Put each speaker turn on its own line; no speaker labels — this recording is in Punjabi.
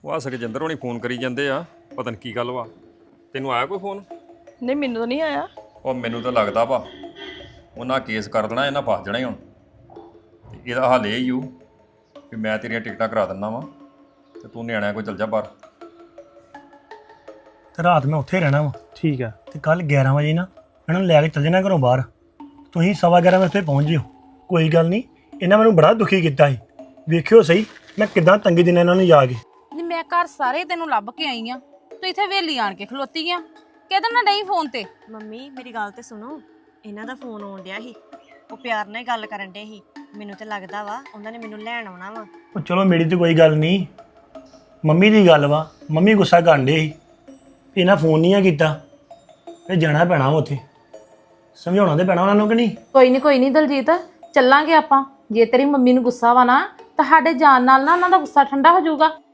ਉਹ ਸੁਖਜਿੰਦਰ ਹੋਣੀ ਫੋਨ ਕਰੀ ਜਾਂਦੇ ਆ, ਪਤਾ ਨਹੀਂ ਕੀ ਗੱਲ ਵਾ। ਤੈਨੂੰ ਆਇਆ ਕੋਈ ਫੋਨ?
ਨਹੀਂ ਮੈਨੂੰ ਤਾਂ ਨਹੀਂ ਆਇਆ।
ਉਹ ਮੈਨੂੰ ਤਾਂ ਲੱਗਦਾ ਵਾ ਉਹਨਾਂ ਕੇਸ ਕਰ ਦੇਣਾ, ਇਹਨਾਂ ਫਸ ਜਾਣਾ ਹੀ ਹੁਣ। ਤੇ ਇਹਦਾ ਹੱਲ ਇਹ ਹੀ ਹੋ ਕਿ ਮੈਂ ਤੇਰੀਆਂ ਟਿਕਟਾਂ ਕਰਾ ਦਿੰਦਾ ਵਾਂ ਤੇ ਤੂੰ ਨਿਆਣਿਆਂ ਕੋਲ ਚੱਲ ਜਾ ਬਾਹਰ।
ਤੇ ਰਾਤ ਮੈਂ ਉੱਥੇ ਰਹਿਣਾ ਵਾ।
ਠੀਕ ਆ।
ਤੇ ਕੱਲ 11 ਵਜੇ ਨਾ ਇਹਨਾਂ ਨੂੰ ਲੈ ਕੇ ਚੱਲ ਜਾਣਾ ਘਰੋਂ ਬਾਹਰ। ਤੁਸੀਂ 11:15 ਵਜੇ ਉੱਥੇ ਪਹੁੰਚ ਜਿਓ। ਕੋਈ ਗੱਲ ਨਹੀਂ, ਇਹਨਾਂ ਮੈਨੂੰ ਬੜਾ ਦੁਖੀ ਕੀਤਾ ਸੀ। ਵੇਖਿਓ ਸਹੀ ਮੈਂ ਕਿੱਦਾਂ ਤੰਗੀ ਦਿਨਾਂ ਇਹਨਾਂ ਨੂੰ ਜਾ ਕੇ।
ਨਹੀਂ ਮੈਂ ਘਰ ਸਾਰੇ ਤੈਨੂੰ ਲੱਭ ਕੇ ਆਈ ਆ, ਤੂੰ ਇੱਥੇ ਵੇਲੀ ਆਣ ਕੇ ਖਲੋਤੀ ਆ। ਕਿਹਦੇ ਨਾਲ ਨਹੀਂ ਫੋਨ ਤੇ?
ਮੰਮੀ ਮੇਰੀ ਗੱਲ ਤੇ ਸੁਣੋ, ਇਹਨਾਂ ਦਾ ਫੋਨ ਆਉਣ ਡਿਆ ਸੀ, ਉਹ ਪਿਆਰ ਨਾਲ ਹੀ ਗੱਲ ਕਰਨ ਡੇ ਸੀ। ਮੈਨੂੰ ਤੇ ਲੱਗਦਾ ਵਾ ਉਹਨਾਂ ਨੇ ਮੈਨੂੰ ਲੈਣ ਆਉਣਾ ਵਾ।
ਉਹ ਚਲੋ ਮੇਰੀ ਤੇ ਕੋਈ ਗੱਲ ਨਹੀਂ, ਮੰਮੀ ਦੀ ਗੱਲ ਵਾ। ਮੰਮੀ ਗੁੱਸਾ ਕਰਨ ਡੇ ਸੀ ਵੀ ਇਹਨਾਂ ਫੋਨ ਨਹੀਂ ਆ ਕੀਤਾ। ਤੇ ਜਾਣਾ ਪੈਣਾ ਵਾ ਉੱਥੇ, ਸਮਝਾਉਣਾ ਤੇ ਪੈਣਾ ਉਹਨਾਂ ਨੂੰ ਕਿ ਨਹੀਂ।
ਕੋਈ ਨਹੀਂ ਦਲਜੀਤ, ਚੱਲਾਂਗੇ ਆਪਾਂ। ਜੇ ਤੇਰੀ ਮੰਮੀ ਨੂੰ ਗੁੱਸਾ ਵਾ ਨਾ, ਤਾਂ ਸਾਡੇ ਜਾਣ ਨਾਲ ਨਾ ਉਹਨਾਂ ਦਾ ਗੁੱਸਾ ਠੰਡਾ ਹੋ ਜਾਊਗਾ।